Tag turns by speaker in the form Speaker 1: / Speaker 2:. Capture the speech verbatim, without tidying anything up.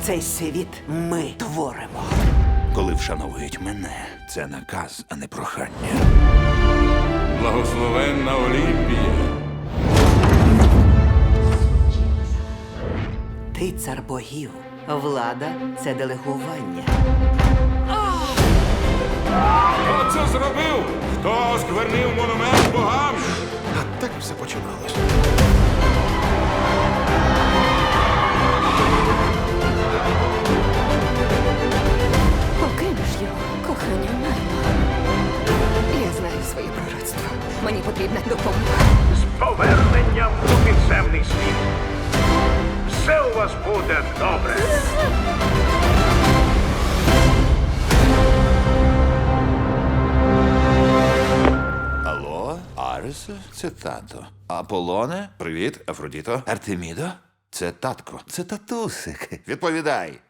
Speaker 1: Цей світ ми творимо.
Speaker 2: Коли вшановують мене, це наказ, а не прохання.
Speaker 3: Благословенна Олімпія.
Speaker 1: Ти цар богів. Влада – це делегування.
Speaker 3: Хто це зробив? Хто осквернив монумент богам?
Speaker 4: А так все починалось.
Speaker 5: Покинеш його, кохання марно. Я знаю своє пророцтво. Мені потрібна допомога.
Speaker 6: З поверненням у підземний світ. Все у вас буде добре.
Speaker 2: Алло, Аресе, це тато. Аполлоне, привіт, Афродіто. Артемідо, це татко. Це татусик. Відповідай.